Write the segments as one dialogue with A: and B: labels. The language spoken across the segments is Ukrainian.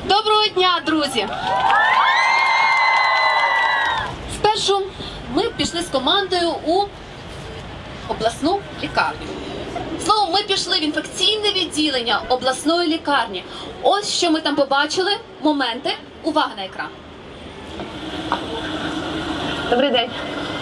A: Доброго дня, друзі! Спершу ми пішли з командою у обласну лікарню. Словом, ми пішли в інфекційне відділення обласної лікарні. Ось що ми там побачили. Моменти. Увага на екран. Добрий день.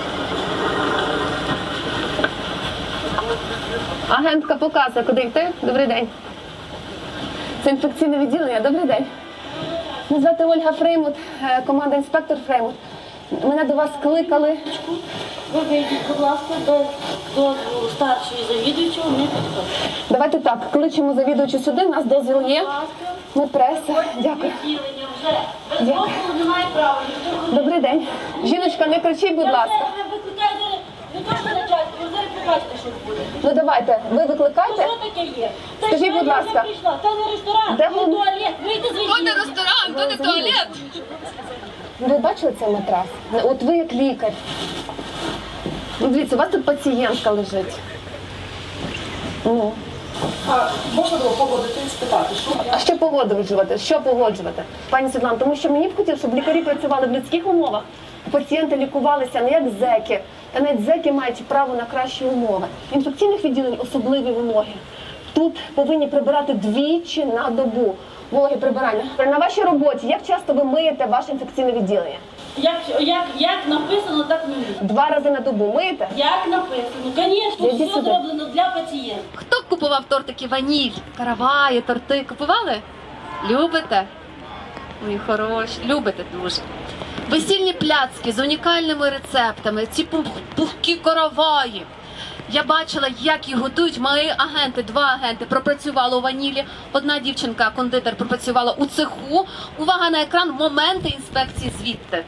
A: Агентка показує, куди йти. Добрий день. Це інфекційне відділення. Добрий день. Мене звати Ольга Фреймут, команда інспектор Фреймут. Мене до вас кликали.
B: Ви вийдіть, будь ласка, до старшої завідуючого, не підходить.
A: Давайте так, кличемо завідувачу сюди, у нас дозвіл є. Ми преса. Дякую.
B: Відділення вже. Без дозволу немає права.
A: Добрий день. Жіночка, не кричіть, будь ласка.
B: Я викликаю зараз, не то що начальство, ви зараз побачите, що буде.
A: Ну давайте, ви викликайте.
B: Що таке є?
A: Скажіть, будь ласка.
B: Це не ресторан,
A: Де
B: це
A: ви?
B: туалет. Вийди з відділення.
A: То не ресторан, то не туалет. Ви бачили цей матрас? От ви як лікар. Ну, дивіться, у вас тут пацієнтка лежить. Ну.
C: Можна було погодити і спитати, що
A: А що погоджувати? Що погоджувати? Пані Світлано, тому що мені б хотілося, щоб лікарі працювали в людських умовах, пацієнти лікувалися не як зеки, та навіть зеки мають право на кращі умови. В інфекційних відділеннях особливі вимоги. Тут повинні прибирати двічі на добу. Вологі прибирання. На вашій роботі, як часто ви миєте ваше інфекційне відділення?
B: Як написано, так ми миємо.
A: 2 рази на добу миєте?
B: Як написано, звісно,
A: Ідіть
B: все
A: сюди.
B: зроблено для пацієнта.
A: Хто купував тортики ваніль, караваї, торти? Купували? Любите? Ой, хороші. Любите дуже. Весільні пляцки з унікальними рецептами, ці пухкі караваї. Я бачила, як їх готують. Мої агенти, 2 агенти пропрацювали у ванілі. Одна дівчинка, кондитер, пропрацювала у цеху. Увага на екран, моменти інспекції звідти.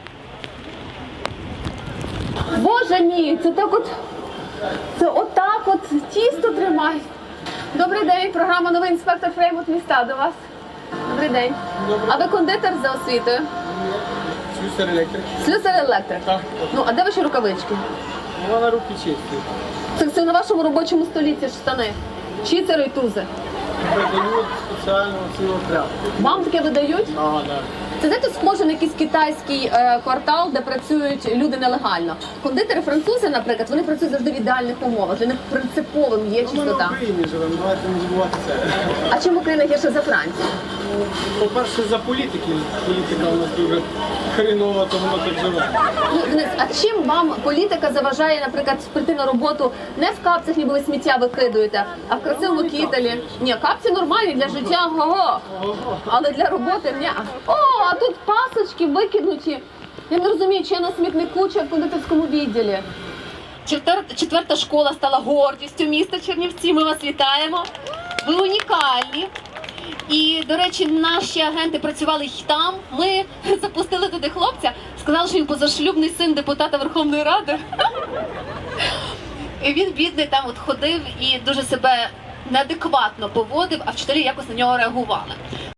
A: Боже мій, це так от, це отак от тісто тримають. Добрий день, програма «Новий інспектор Фреймут міста» до вас. Добрий день. А ви кондитер за освітою?
D: Слюсар електрик.
A: Слюсар електрик.
D: Так.
A: Ну, а де ваші рукавички?
D: Вона руки чисті.
A: Це на вашому робочому столі ці ж штани. Чицери і тузи.
D: Видають спеціально цілу тряпку.
A: Вам таке видають?
D: Ага, так.
A: Це, знаєте, схоже на якийсь китайський квартал, де працюють люди нелегально. Кондитери французи, наприклад, вони працюють завжди в ідеальних умовах. Для них принциповим є
D: Ми в
A: чистота.
D: Україні живемо, давайте не забувати це.
A: А чому Україна гірше за Францію?
D: По-перше, за політики. Політика у нас дуже хрінова, то воно так живе.
A: Ну, Денис, а чим вам політика заважає, наприклад, прийти на роботу не в капцях, ніби ви сміття викидуєте, а в красивому кітелі? Ні, капці нормальні для життя, го-го. Але для роботи ні. О, а тут пасочки викинуті. Я не розумію, чи я на смітнику, чи в кондитерському відділі. Четверта школа стала гордістю міста Чернівці. Ми вас вітаємо. Ви унікальні. І, до речі, наші агенти працювали й там. Ми запустили туди хлопця, сказали, що він позашлюбний син депутата Верховної Ради. І він, бідний, там от ходив і дуже себе неадекватно поводив, а вчителі якось на нього реагували.